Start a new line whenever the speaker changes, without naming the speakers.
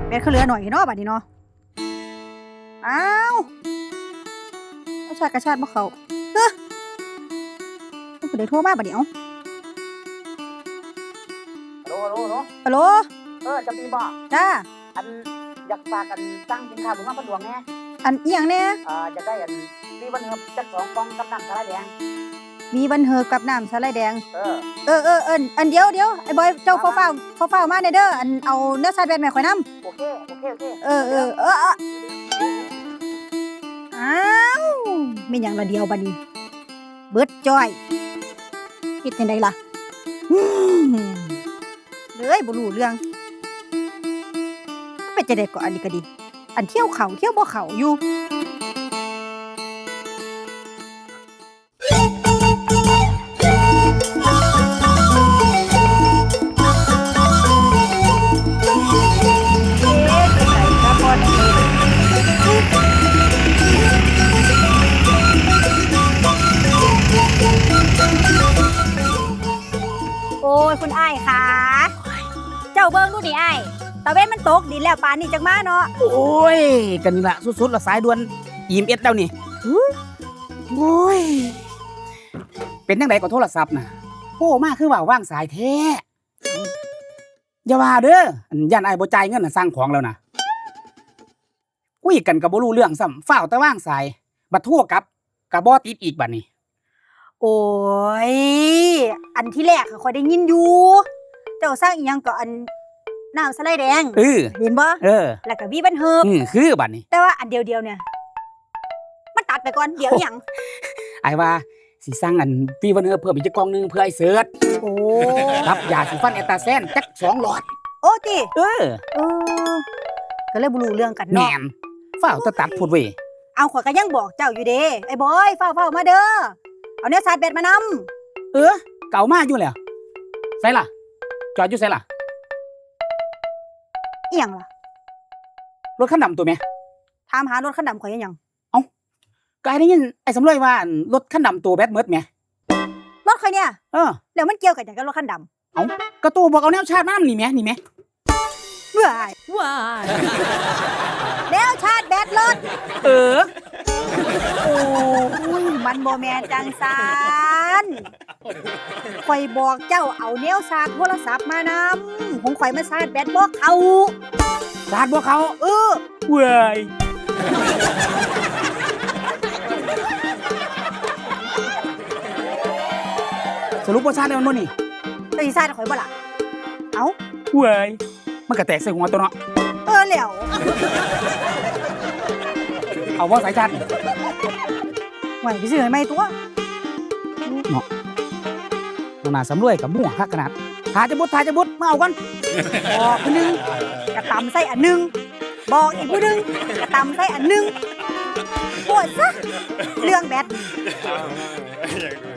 แบตเขาเหลือหน่อยเนาะบัดนี้เนาะอ้าวเอาชาติกระชาติบ่เขาเฮ้อผู้ใดโทรมาบัดนี้เอ้าฮัลโหล
จะปีบ่
จ้า
อันอยากฝากกันตั้งสินค้าบุญมาประดวงแน่
อันอีหยังแน่
อยากได้อันมีวันเฮิบจัก2 กล่องกับน้ำสาลายแดง
มีบันเฮิบกับน้ำสาลายแดงอันเดียวไอ้บอยเจ้าฟ้าวมาเด้ออันเอาเนื้อชาติแบนแม่ข่อยนำ
โอเค
อ้าวมีหยังละเดียวบัดนี้เบิดจ้อยคิดจังได๋ล่ะเลยบ่รู้เรื่องเป็นจังได๋ก็อันนี้ก็ดีอันเที่ยวเขาเที่ยวบ่เขาอยู่โอ้ยคุณอ้ายค่ะเจ้าเบิ่งดูนี่อ้ายตะเว้นมันตกดินแล้วปานนี้จังมาเนาะ
โอ้ยกันนี่ละสุดๆละสายด่วนEMSแล้วนี่โอ้ยเป็นจังไดก็โทรศัพท์น่ะโอ้มาคือว่าว่างสายแท้อย่าว่าเด้ออันย่านอ้ายบ่จ่ายเงินน่ะสั่งของแล้วนะคุยกันก็บ่รู้เรื่องซ้ำฟ้าวแต่ว่างสายบัดโทรกลับก็บ่ติดอีกบัดนี้
โอ้ยอันที่แรกค่อยได้ยินอยู่เจ้าสร้างอีหยังก็อันน้ำสาลายแดงเห็นบ่แล้วก็มีบันเฮิบ
คือบัดนี้
แต่ว่าอันเดียวเนี่ยมันตัดไปก่อนเดี๋ยวอีหยัง
ไอ้ว่าสิสั่งอันพี่วันเฮิบเพิ่มอีกจักกล่องนึงเพื่อไอ้เสิร์ช
โอ้
รับยาสีฟันแอตตาแซนจัก2 หลอด
โอ้ติก็เลยบ่รู้เรื่องกันเนาะ
แม่นฟ้าวตัดพูดเว้ย
เอาข่อยก็ยังบอกเจ้าอยู่เด้ไอ้บอยฟ้าวมาเด้อเอาเนื้อชาร์จแบตมานำ
เก่ามากอยู่แล้วใส่ล่ะจอดอยู่ใส่ล่ะ
อีหยังล่ะ
รถคันดำตัวแม่
ถามหารถคันดำข่อยยัง
เอ้าก็ได้ยินไอ้สำรวยว่ารถคันดำตัวแบตเมิดแม่
รถข่อยเนี่ยแล้วมันเกี่ยวกันจังกับรถคันดำ
เอ้ากระตูบอกเอาแนวชาร์จมานี่แม่
ว้ายแนวชาร์จแบตรถโอ้ยมันบ่แม่นจังซานข่อยบอกเจ้าเอาแนวชาร์จโทรศัพท์มานำของข่อยมาชาร์จแบตบ่เข้า
ชาร์จบ่เข้าเว้ยสรุปว่าชาร์จแล้วมันบ่นี่
จะสิชาร์จข่อยบ่ล่ะเอ้า
เว้ยมันก็แตกใส่หัวตัวเนาะ
แล้ว
เอาบ่สายชาร์จ
ไหวไปซื้อให้ใหม่ตัว
เนาะมาสำรวยกับมั่วคักขนาดทาจะบุดมาเอากัน
บอกผู้นึงกระตำใส่อันนึงบอกอีกผู้นึงกระตำใส่อันนึงปวดซะเรื่องแบต